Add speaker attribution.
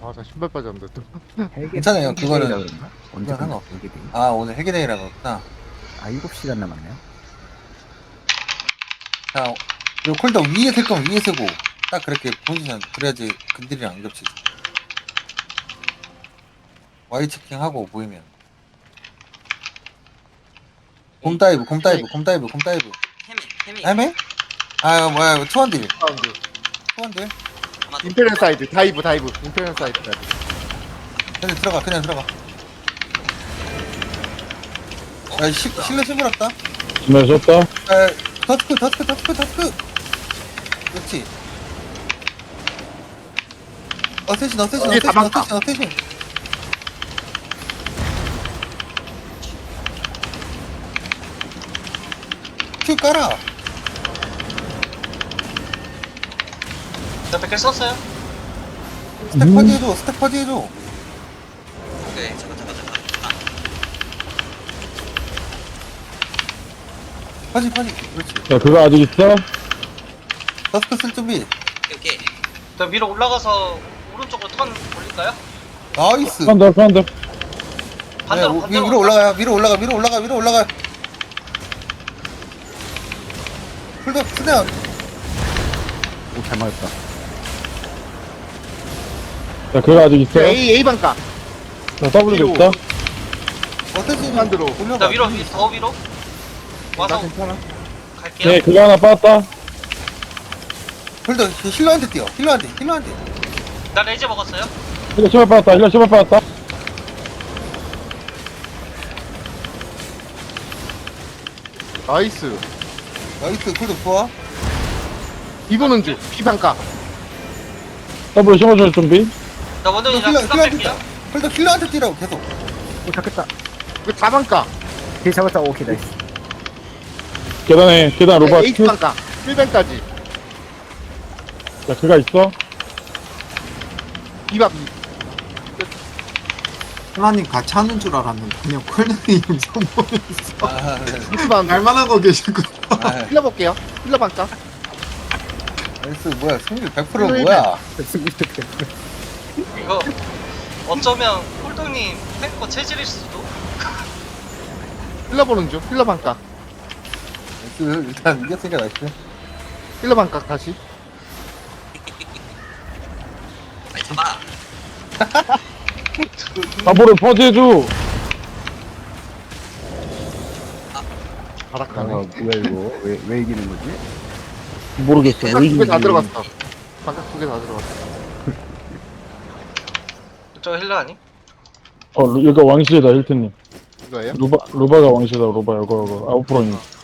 Speaker 1: 아, 나 신발 빠졌는데 또.
Speaker 2: 괜찮아요. 그거는
Speaker 3: 그런가? 언제
Speaker 2: 그건
Speaker 3: 끝나?
Speaker 2: 상관없어.
Speaker 3: 헬기데이?
Speaker 2: 아, 오늘 해계대회라고 했구나.
Speaker 3: 아 7시간 남았네요.
Speaker 2: 자, 요 콜더 위에 쓸 거면 위에 쓰고, 딱 그렇게 포지션, 그래야지 근들이랑 안 겹치지. Y 체킹하고 보이면. 곰 다이브, 곰 다이브, 곰 다이브, 곰 다이브.
Speaker 4: 헤매
Speaker 2: 헤매? 아, 뭐야, 투원딜.
Speaker 1: 사운드.
Speaker 2: 투원딜.
Speaker 4: 아마
Speaker 1: 인페리얼 사이드, 다이브. 인페리얼 사이드.
Speaker 2: 그냥 들어가, 그냥 들어가. 야, 실내 실물었다.
Speaker 5: 네, 졌다.
Speaker 2: 더스크. 그렇지. 어쌔신.
Speaker 1: 이게 다 막다.
Speaker 2: 큐 깔아.
Speaker 4: 저 100개 썼어요?
Speaker 2: 스택 퍼지해줘, 스택 퍼지해줘.
Speaker 4: 오케이 잠깐
Speaker 2: 퍼지. 그렇지.
Speaker 5: 야, 그거 아직 있어?
Speaker 2: 더스크 쓸 준비.
Speaker 4: 오케이 저 위로 올라가서 오른쪽으로 턴 돌릴까요?
Speaker 2: 나이스.
Speaker 5: 한대.
Speaker 4: 반대로
Speaker 2: 네, 위로 올라가요. 위로 올라가. 풀더 스네어.
Speaker 3: 오잘 맞았다.
Speaker 5: 야, 그거 아직 있어?
Speaker 1: A 방가.
Speaker 5: 나 W도 있다.
Speaker 2: 어쌔신
Speaker 1: 만들어.
Speaker 2: 올려봐.
Speaker 4: 나 위로 더 위로
Speaker 1: 나
Speaker 4: 와서
Speaker 1: 괜찮아.
Speaker 4: 갈게요
Speaker 5: 네, 그거 하나 빠졌다.
Speaker 2: 풀더 힐러한테 뛰어. 힐러한테.
Speaker 4: 나 레이저 먹었어요?
Speaker 5: 힐러 신발 빠졌다.
Speaker 1: 나이스.
Speaker 2: 나이스. 풀더 좋아.
Speaker 1: 이거는 주. B 방가.
Speaker 5: W 심어줄 준비.
Speaker 4: 나 원동이랑 수갑
Speaker 2: 힐러한테
Speaker 4: 뺄게요
Speaker 2: 뛰어. 풀더 힐러한테 뛰라고 계속.
Speaker 3: 오 잡겠다.
Speaker 1: 이거 다 방가.
Speaker 3: 뒤에 잡았다. 오케이 나이스.
Speaker 5: 계단 로바.
Speaker 1: A 방가. 1방까지.
Speaker 5: 야, 그거 있어?
Speaker 1: B 방.
Speaker 6: 하나님 같이 하는 줄 알았는데 그냥 콜드님 선보였어.
Speaker 2: 아, 네.
Speaker 1: B 방.
Speaker 6: 날만 하고 계시구나.
Speaker 2: 아,
Speaker 1: 힐러 볼게요. 힐러 방가.
Speaker 2: 나이스. 뭐야, 승률 100% 뭐야.
Speaker 4: 이거 어쩌면 홀동님 탱커 체질일 수도?
Speaker 1: 힐러 보는 중. 힐러 방가.
Speaker 2: 나이스. 일단 이겼으니까 나이스.
Speaker 1: 힐러 방가 다시.
Speaker 4: 아니 잡아
Speaker 5: W 퍼지해줘.
Speaker 3: 아
Speaker 1: 바락하네.
Speaker 3: 뭐야 이거? 왜 이기는 거지?
Speaker 5: 모르겠어.
Speaker 1: 방각 두개 다 들어갔어. 방각 두 개 다 들어갔어.
Speaker 4: 저 힐러 아니?
Speaker 5: 여기가 왕실이다, 힐트님.
Speaker 1: 이거예요?
Speaker 5: 로바가 왕실이다, 로바. 이거. 아웃프로님.